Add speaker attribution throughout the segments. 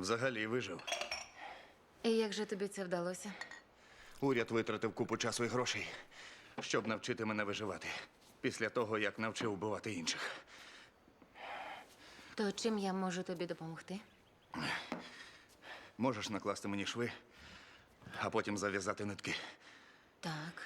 Speaker 1: Взагалі вижив.
Speaker 2: І як же тобі це вдалося?
Speaker 1: Уряд витратив купу часу і грошей, щоб навчити мене виживати. Після того, як навчив вбивати інших.
Speaker 2: То чим я можу тобі допомогти?
Speaker 1: Можеш накласти мені шви, а потім зав'язати нитки.
Speaker 2: Так.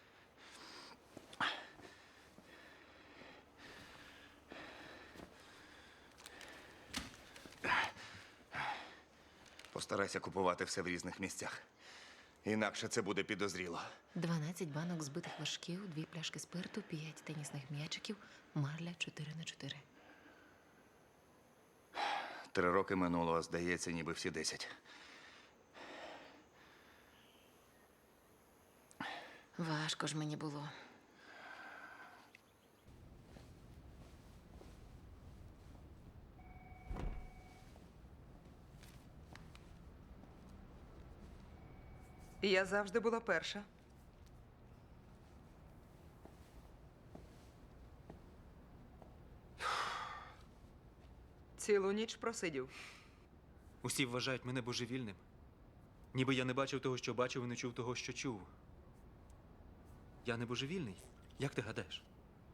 Speaker 1: Постарайся купувати все в різних місцях. Інакше це буде підозріло.
Speaker 2: 12 банок збитих вершків, 2 пляшки спирту, 5 тенісних м'ячиків, марля 4х4.
Speaker 1: 3 роки минуло, а здається, ніби всі 10.
Speaker 2: Важко ж мені було.
Speaker 3: Я завжди була перша. Цілу ніч просидів.
Speaker 4: Усі вважають мене божевільним. Ніби я не бачив того, що бачив, і не чув того, що чув. Я не божевільний? Як ти гадаєш?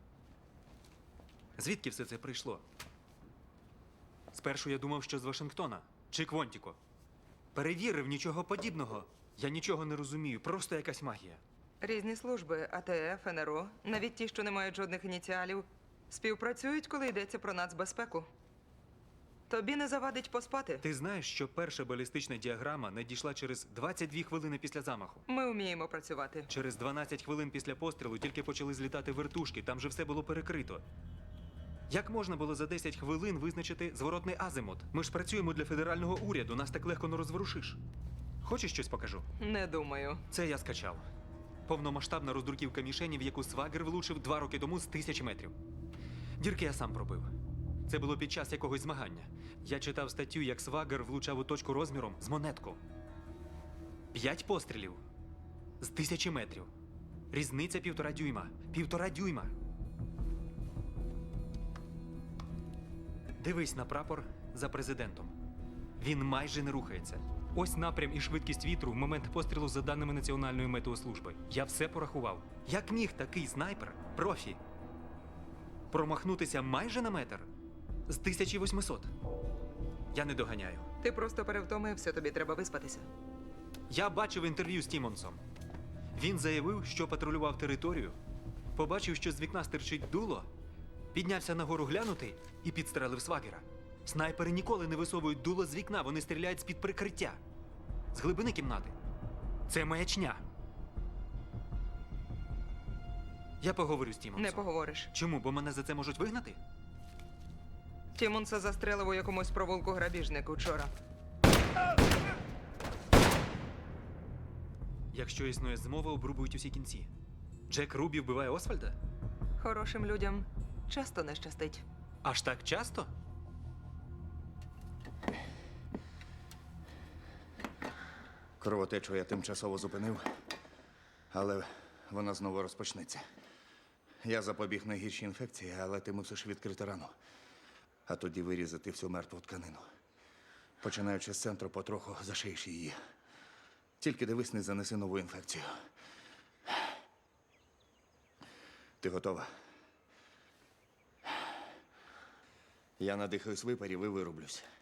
Speaker 4: Звідки все це прийшло? Спершу я думав, що з Вашингтона чи Квонтіко. Перевірив, нічого подібного. Я нічого не розумію, просто якась магія.
Speaker 3: Різні служби, АТФ, НРО, навіть ті, що не мають жодних ініціалів, співпрацюють, коли йдеться про нацбезпеку. Тобі не завадить поспати.
Speaker 4: Ти знаєш, що перша балістична діаграма надійшла через 22 хвилини після замаху.
Speaker 3: Ми вміємо працювати.
Speaker 4: Через 12 хвилин після пострілу тільки почали злітати вертушки, там же все було перекрито. Як можна було за 10 хвилин визначити зворотний азимут? Ми ж працюємо для федерального уряду, нас так легко не розворушиш. Хочеш щось покажу?
Speaker 3: Не думаю.
Speaker 4: Це я скачав. Повномасштабна роздруківка мішені, в яку Свагер влучив 2 роки тому з 1000 метрів. Дірки я сам пробив. Це було під час якогось змагання. Я читав статтю, як Свагер влучав у точку розміром з монетку. 5 пострілів з 1000 метрів. Різниця 1,5 дюйма. 1,5 дюйма. Дивись на прапор за президентом. Він майже не рухається. Ось напрям і швидкість вітру в момент пострілу за даними Національної метеослужби. Я все порахував. Як міг такий снайпер, профі, промахнутися майже на метр з 1800? Я не доганяю.
Speaker 3: Ти просто перевтомився, тобі треба виспатися.
Speaker 4: Я бачив інтерв'ю з Тімонсом. Він заявив, що патрулював територію, побачив, що з вікна стирчить дуло, піднявся нагору глянути і підстрелив Свагера. Снайпери ніколи не висовують дуло з вікна, вони стріляють з-під прикриття. З глибини кімнати. Це маячня. Я поговорю з Тімонсом.
Speaker 3: Не поговориш.
Speaker 4: Чому? Бо мене за це можуть вигнати?
Speaker 3: Тімонса застрелив у якомусь провулку грабіжник учора.
Speaker 4: Якщо існує змова, обрубують усі кінці. Джек Рубі вбиває Освальда?
Speaker 3: Хорошим людям часто не щастить.
Speaker 4: Аж так часто?
Speaker 1: Кровотечу я тимчасово зупинив, але вона знову розпочнеться. Я запобіг найгіршій інфекції, але ти мусиш відкрити рану. А тоді вирізати всю мертву тканину. Починаючи з центру, потроху зашиєш її. Тільки дивись, не занеси нову інфекцію. Ти готова? Я надихаюсь випарів і вирублюсь.